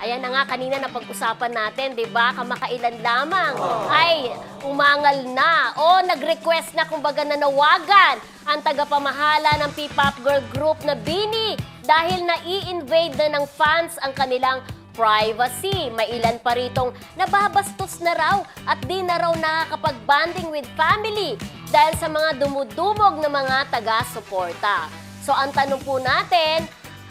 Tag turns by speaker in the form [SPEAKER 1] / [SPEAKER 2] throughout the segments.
[SPEAKER 1] ayan na nga, kanina na pag-usapan natin, di ba? Kamakailan lamang ay umangal na o nag-request na kumbaga nanawagan ang tagapamahala ng P-pop girl group na BINI dahil na-i-invade na ng fans ang kanilang privacy. May ilan pa ritong nababastos na raw at di na raw nakakapag-banding with family dahil sa mga dumudumog na mga taga-suporta. So ang tanong po natin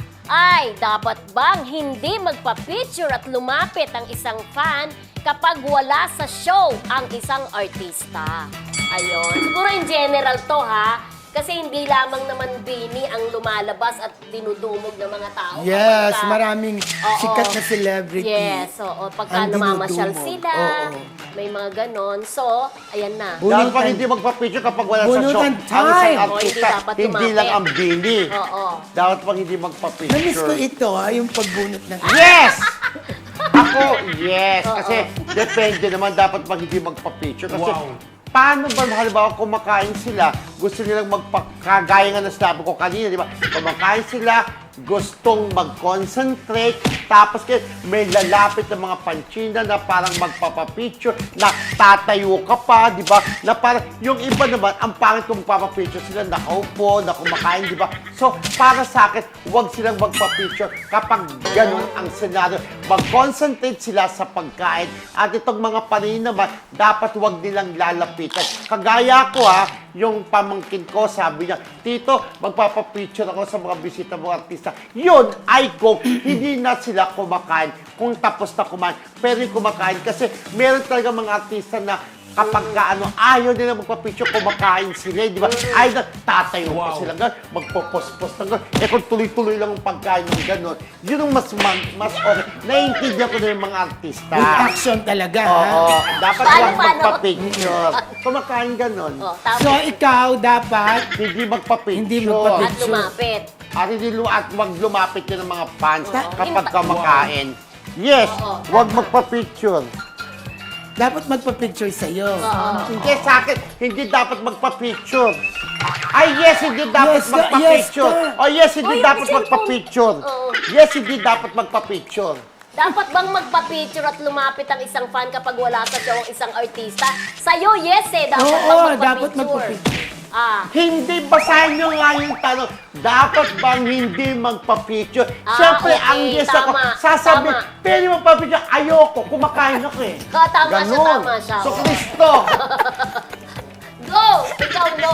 [SPEAKER 1] ay dapat bang hindi magpa-picture at lumapit ang isang fan kapag wala sa show ang isang artista? Ayun. Siguro in general to ha. Kasi hindi lamang naman BINI ang lumalabas at dinudumog ng mga tao.
[SPEAKER 2] Yes,
[SPEAKER 1] Kapagka,
[SPEAKER 2] maraming sikat na celebrity.
[SPEAKER 1] Yes, oo. Pagka
[SPEAKER 2] ang
[SPEAKER 1] namamasyal
[SPEAKER 2] dinudumog.
[SPEAKER 1] sila, may mga ganon. So, ayan na.
[SPEAKER 3] Dahil pag hindi magpa-picture kapag wala sa show,
[SPEAKER 2] Bunutan
[SPEAKER 3] ang
[SPEAKER 2] time.
[SPEAKER 3] isang
[SPEAKER 1] Oo,
[SPEAKER 3] artista,
[SPEAKER 1] hindi dapat
[SPEAKER 3] hindi
[SPEAKER 1] lumapit.
[SPEAKER 3] lang ang BINI.
[SPEAKER 1] Oo.
[SPEAKER 3] Dapat pag hindi
[SPEAKER 2] Namiss ko
[SPEAKER 3] magpa-picture.
[SPEAKER 2] ito, yung pagbunot ng...
[SPEAKER 3] Yes! Ako, yes. Kasi depende naman dapat pag hindi magpa-picture. Kasi paano ba, halimbawa, kumakain sila, gusto nilang magpakagaya nga na sinabi ko kanina, di ba? Kumakain sila, gustong mag-concentrate, tapos may lalapit ng mga panchina na parang magpapapicture, na tatayo ka pa, di ba? Na parang, yung iba naman, ang pangit kung magpapapicture sila, nakaupo, na kumakain, di ba? So, para sa akin, huwag silang magpapicture kapag ganun ang senaryo. Mag-concentrate sila sa pagkain. At itong mga panin naman, dapat huwag nilang lalapitan. Kagaya ko yung pamangkin ko, sabi niya, Tito, magpapapicture ako sa mga bisita mga artista. Yun ay kung hindi na sila kumakain, kung tapos na kumain. Pero yung kumakain kasi meron talaga mga artista na kapag ayaw nila magpa-picture, kumakain sila, di ba? Ay, tatayo pa sila gano'n, magpo-post-post ng gano'n. Eh kung tuloy-tuloy lang ang pagkain ng gano'n, yun ang mas okay. Naiintindihan ko na yung mga artista.
[SPEAKER 2] With action talaga,
[SPEAKER 3] Oo,
[SPEAKER 2] ha?
[SPEAKER 3] dapat
[SPEAKER 1] Paano,
[SPEAKER 3] huwag
[SPEAKER 1] paano?
[SPEAKER 3] magpa-picture. Kumakain gano'n.
[SPEAKER 1] Oh, tama.
[SPEAKER 2] So, ikaw dapat
[SPEAKER 3] Hindi magpa-picture.
[SPEAKER 2] Hindi magpa-picture.
[SPEAKER 1] At lumapit.
[SPEAKER 3] At wag lumapit yun ng mga fans
[SPEAKER 2] Oo.
[SPEAKER 3] kapag kumakain. Yes, wag magpa-picture.
[SPEAKER 2] dapat magpa-picture sa'yo.
[SPEAKER 3] Hindi sa akin, hindi dapat magpa-picture. Ay, yes, hindi dapat
[SPEAKER 2] Yes ka,
[SPEAKER 3] magpa-picture.
[SPEAKER 2] yes ka.
[SPEAKER 3] Oh, yes, hindi
[SPEAKER 1] Oh, yung
[SPEAKER 3] dapat
[SPEAKER 1] cellphone.
[SPEAKER 3] magpa-picture.
[SPEAKER 1] Oo.
[SPEAKER 3] Yes, hindi dapat magpa-picture.
[SPEAKER 1] Dapat bang magpa-picture at lumapit ang isang fan kapag wala sa show ang isang artista? Sa'yo, yes eh. Dapat
[SPEAKER 2] Oo,
[SPEAKER 1] bang
[SPEAKER 2] dapat
[SPEAKER 1] magpa-picture?
[SPEAKER 2] magpa-picture.
[SPEAKER 3] Hindi, basahin nyo nga yung tanong. Dapat bang hindi magpa-picture? Siyempre,
[SPEAKER 1] okay,
[SPEAKER 3] ang yes ako,
[SPEAKER 1] tama,
[SPEAKER 3] sasabi,
[SPEAKER 1] tama.
[SPEAKER 3] pwede magpa-picture, ayoko, kumakain ako eh.
[SPEAKER 1] Tama siya,
[SPEAKER 3] Ganon.
[SPEAKER 1] tama siya.
[SPEAKER 3] So, Kristo,
[SPEAKER 1] Go! Ikaw, no.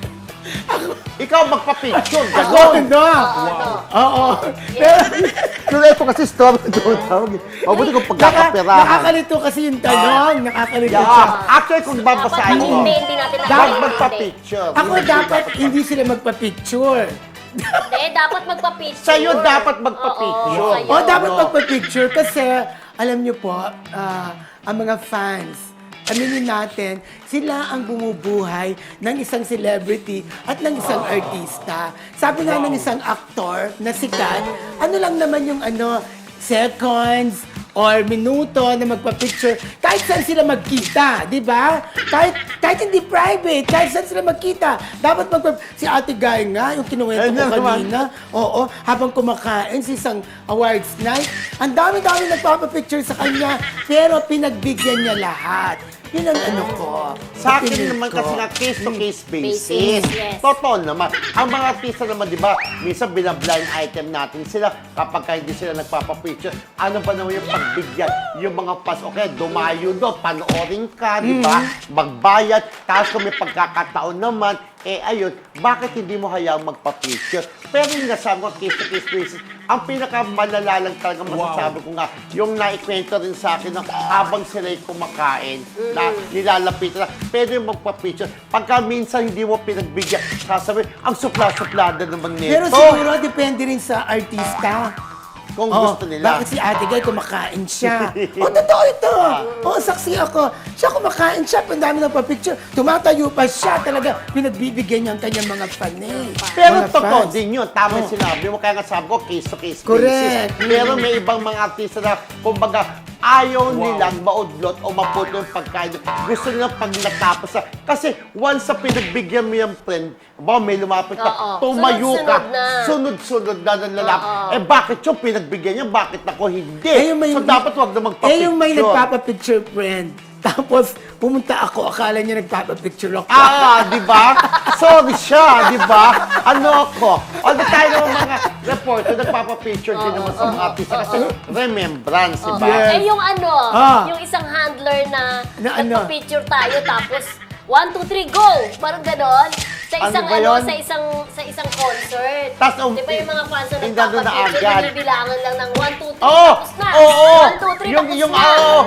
[SPEAKER 3] ikaw magpa-picture,
[SPEAKER 2] Ako,
[SPEAKER 3] ganon.
[SPEAKER 2] no. Oo. Pero,
[SPEAKER 3] Pero ito kasi story doon tawag. Mabuti kung pagkakaperahan.
[SPEAKER 2] nakakalito kasi yung tanong. Nakakalito siya.
[SPEAKER 3] Yeah. Actually, kung babasahin mo,
[SPEAKER 1] Hindi natin
[SPEAKER 3] dapat
[SPEAKER 1] nakakaintindi.
[SPEAKER 3] magpa-picture.
[SPEAKER 2] Ako dapat hindi sila magpa-picture.
[SPEAKER 1] Hindi, dapat magpa-picture.
[SPEAKER 3] Sa'yo dapat magpa-picture.
[SPEAKER 1] Oo, sa'yo.
[SPEAKER 2] O dapat
[SPEAKER 3] Ano?
[SPEAKER 2] magpa-picture kasi alam niyo po, ang mga fans, aminin natin, sila ang bumubuhay ng isang celebrity at ng isang artista. Sabi nga ng isang aktor na sikat, ano lang naman yung seconds or minuto na magpa-picture, kahit saan sila magkita, di ba? Kahit hindi private, kahit saan sila magkita, dapat si Ate Guy nga, yung kinuwento
[SPEAKER 3] Ayun
[SPEAKER 2] ko
[SPEAKER 3] na naman.
[SPEAKER 2] kanina, oo, habang kumakain sa isang awards night, ang dami-dami nagpapapicture sa kanya, pero pinagbigyan niya lahat. Yun ang ko.
[SPEAKER 3] Sa akin
[SPEAKER 2] opinion
[SPEAKER 3] naman
[SPEAKER 2] ko.
[SPEAKER 3] kasi nga case-to-case basis.
[SPEAKER 1] Basis, yes.
[SPEAKER 3] Totoo naman. Ang mga artista naman, di ba, minsan binablind item natin sila kapag hindi sila nagpapapicture. Ano ba naman yung pagbigyan? Yung mga pas, okay, dumayo doon, panoorin ka, di ba? Magbayad. Tapos kung may pagkakataon naman, ayun, bakit hindi mo hayaang magpa-picture? Pero yung nasabi ko, case-to-case basis, ang pinakamalala lang talaga masasabi ko nga, yung naikwento rin sa akin na habang sila'y kumakain, na nilalapitan na, pwede yung magpa-picture. Pagka minsan hindi mo pinagbigyan, sasabihin, ang supla-suplada naman nito.
[SPEAKER 2] Pero siguro, depende rin sa artista.
[SPEAKER 3] Kung
[SPEAKER 2] Oh,
[SPEAKER 3] gusto nila.
[SPEAKER 2] bakit si Ate Guy kumakain siya? Totoo ito. Saksi ako. Siya kumakain siya, ang dami nagpa-picture. Tumatayo pa siya talaga. Pinagbibigyan niya ang kanyang mga fan
[SPEAKER 3] Pero
[SPEAKER 2] mga
[SPEAKER 3] totoo
[SPEAKER 2] fans.
[SPEAKER 3] din yun. Tama yung sinabi mo. Kaya nga sabi ko, case-to-case
[SPEAKER 2] Correct.
[SPEAKER 3] basis. Pero may ibang mga artista na, kumbaga, ayaw nilang maudlot o maputo yung pagkain. Gusto nilang pag natapos na. Kasi once sa pinagbigyan mo yung friend, may lumapit ka,
[SPEAKER 1] Oo.
[SPEAKER 3] tumayo ka,
[SPEAKER 1] Sunod-sunod na.
[SPEAKER 3] sunod-sunod na ng lalaki.
[SPEAKER 1] Oo.
[SPEAKER 3] Bakit yung pinagbigyan niya, bakit ako hindi?
[SPEAKER 2] yung may,
[SPEAKER 3] So dapat wag na magpa-picture.
[SPEAKER 2] yung may nagpapapicture, friend. Tapos, pumunta ako, akala niya nagpapapicture ako.
[SPEAKER 3] Di ba? Sorry siya, di ba? Ano ako? All the time naman mga reporter, nagpapapicture din naman sa mga artista kasi remembrance, di ba?
[SPEAKER 2] Yes.
[SPEAKER 1] Eh yung ano,
[SPEAKER 2] Ah.
[SPEAKER 1] yung isang handler na
[SPEAKER 2] Na ano?
[SPEAKER 1] nagpa-picture tayo tapos 1, 2, 3, go! Parang ganon. Sa
[SPEAKER 3] Ano
[SPEAKER 1] isang
[SPEAKER 3] ba
[SPEAKER 1] ano,
[SPEAKER 3] yun?
[SPEAKER 1] sa isang concert.
[SPEAKER 3] Tas,
[SPEAKER 1] Di ba yung mga fans na
[SPEAKER 3] hindi na doon na
[SPEAKER 1] nagpapapicture,
[SPEAKER 3] agad.
[SPEAKER 1] binibilangan lang ng 1, 2, 3,
[SPEAKER 3] Oo!
[SPEAKER 1] tapos na.
[SPEAKER 3] Oo!
[SPEAKER 1] 1, 2, 3,
[SPEAKER 3] Yung,
[SPEAKER 1] tapos
[SPEAKER 3] yung,
[SPEAKER 1] na.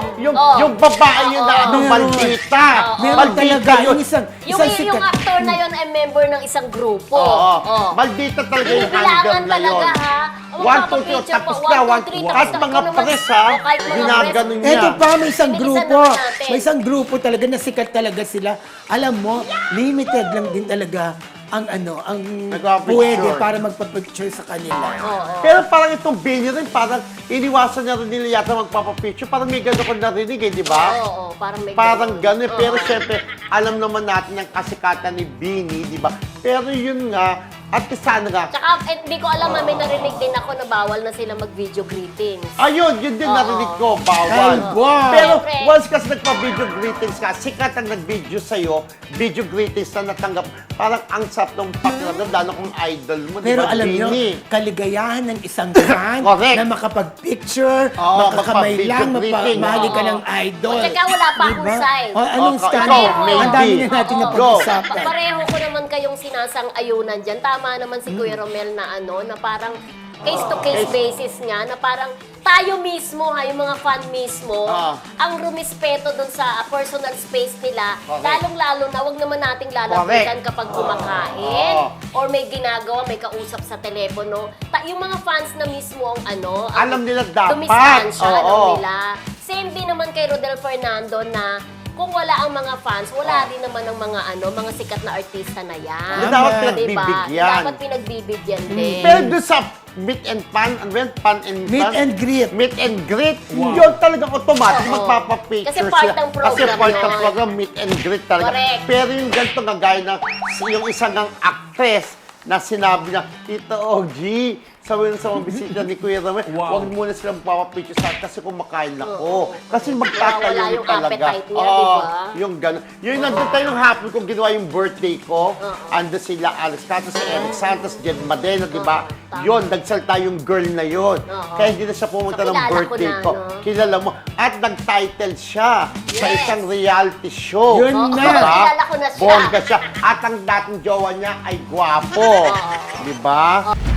[SPEAKER 3] yung babae yun na ano,
[SPEAKER 2] Meron.
[SPEAKER 3] maldita.
[SPEAKER 2] Meron
[SPEAKER 3] Maldita
[SPEAKER 2] talaga,
[SPEAKER 3] yun.
[SPEAKER 2] yung isang
[SPEAKER 1] Yung
[SPEAKER 2] sikat.
[SPEAKER 1] actor na yun ay member ng isang grupo.
[SPEAKER 3] Oo.
[SPEAKER 1] Oo.
[SPEAKER 3] Maldita talaga yung
[SPEAKER 1] Binibilangan
[SPEAKER 3] handler na yun.
[SPEAKER 1] talaga, ha?
[SPEAKER 3] 1, 2, 3, tapos na. Kahit mga press, ha? Ginaganon niya.
[SPEAKER 2] Eto pa, may isang
[SPEAKER 1] Pinilisan
[SPEAKER 2] grupo.
[SPEAKER 1] naman natin.
[SPEAKER 2] May isang grupo talaga na sikat talaga sila. Alam mo, limited lang din talaga ang
[SPEAKER 3] Nagpapicture.
[SPEAKER 2] pwede para magpa-picture sa kanila.
[SPEAKER 3] Pero parang itong Benny rin, parang iniwasan niya rin nila yata magpapapicture. Parang may gano'n ko narinig eh, di ba?
[SPEAKER 1] Oo, parang may
[SPEAKER 3] Parang
[SPEAKER 1] ganun.
[SPEAKER 3] gano'n. Pero syempre, alam naman natin yung kasikatan ni Benny, di ba? Pero yun nga, at sana nga,
[SPEAKER 1] Tsaka, hindi ko alam, may narinig din ako na bawal na sila mag-video greetings.
[SPEAKER 3] ayun, yun din
[SPEAKER 1] Oo.
[SPEAKER 3] narinig ko, bawal.
[SPEAKER 2] Ay, wow.
[SPEAKER 3] Pero
[SPEAKER 1] Siyempre.
[SPEAKER 3] once kasi nagpa-video greetings ka, sikat ang nag-video sa'yo, video greetings na natanggap, parang ang sarap ng pakiramdam, lalo kung idol mo, di
[SPEAKER 2] Pero
[SPEAKER 3] ba,
[SPEAKER 2] alam nyo,
[SPEAKER 3] Benny?
[SPEAKER 2] kaligayahan ng isang fan
[SPEAKER 3] Correct.
[SPEAKER 2] na makapag-picture,
[SPEAKER 3] Oo,
[SPEAKER 2] makakamay
[SPEAKER 3] magpa-video
[SPEAKER 2] lang,
[SPEAKER 3] greeting.
[SPEAKER 2] mahali ka
[SPEAKER 1] Oo.
[SPEAKER 2] ng idol.
[SPEAKER 1] O, tsaka wala pa akong
[SPEAKER 2] Diba?
[SPEAKER 1] side.
[SPEAKER 2] O, anong
[SPEAKER 3] Okay,
[SPEAKER 2] style?
[SPEAKER 3] ikaw,
[SPEAKER 2] Ang dami
[SPEAKER 3] maybe.
[SPEAKER 2] na natin
[SPEAKER 1] Oo.
[SPEAKER 2] na pag-usapan.
[SPEAKER 1] Pareho ko naman kayong sinasang-ayunan dyan. Tama naman si Kuya Romel na na parang case-to-case basis nga, na parang tayo mismo, yung mga fan mismo, ang rumispeto dun sa personal space nila,
[SPEAKER 3] Correct.
[SPEAKER 1] lalong-lalo na, wag naman nating lalapitan kapag kumakain, or may ginagawa, may kausap sa telepono. Yung mga fans na mismo ang
[SPEAKER 3] Alam nila dapat.
[SPEAKER 1] dumistansya, alam
[SPEAKER 3] Oo.
[SPEAKER 1] nila. Same din naman kay Rodel Fernando na kung wala ang mga fans, wala rin naman ang mga sikat na artista na yan.
[SPEAKER 3] Yung dapat
[SPEAKER 2] Tama.
[SPEAKER 3] pinagbibigyan.
[SPEAKER 1] Dapat pinagbibigyan din.
[SPEAKER 3] Pero doon sa meet and fun, ano ba yun? Fun and
[SPEAKER 2] Meet
[SPEAKER 3] fun?
[SPEAKER 2] and greet.
[SPEAKER 3] Meet and greet. Yun talagang automatic
[SPEAKER 1] Oo.
[SPEAKER 3] magpapapicture
[SPEAKER 1] Kasi part
[SPEAKER 3] sila.
[SPEAKER 1] ng program
[SPEAKER 3] Kasi part ng
[SPEAKER 1] yun.
[SPEAKER 3] program, meet and greet talaga.
[SPEAKER 1] Correct.
[SPEAKER 3] Pero yung ganito nga gaya na yung isang ng actress na sinabi niya, Tito OG, sabi sa mga bisita ni Kuya Ramel, huwag muna silang papapicture sa akin kasi kumakain ako. Kasi magtatayo
[SPEAKER 1] Wala yung
[SPEAKER 3] talaga.
[SPEAKER 1] appetite niya, di ba?
[SPEAKER 3] Yung gano'n. Yung nandun tayo nung hapon kung ginawa yung birthday ko, ando sila Alex Cato, si Eric Santos, Jen Madena, di ba?
[SPEAKER 1] tama.
[SPEAKER 3] Yun, nagsalta yung girl na yun. Kaya hindi na siya pumunta ng
[SPEAKER 1] Kilala ko
[SPEAKER 3] birthday
[SPEAKER 1] na,
[SPEAKER 3] ko.
[SPEAKER 1] no?
[SPEAKER 3] Kilala mo. At nag-title siya sa
[SPEAKER 1] Yes.
[SPEAKER 3] isang reality show.
[SPEAKER 2] Yun
[SPEAKER 1] Oo,
[SPEAKER 2] na.
[SPEAKER 3] Diba?
[SPEAKER 1] kilala ko na siya.
[SPEAKER 3] Bongga siya. At ang dating jowa niya ay gwapo. Di ba?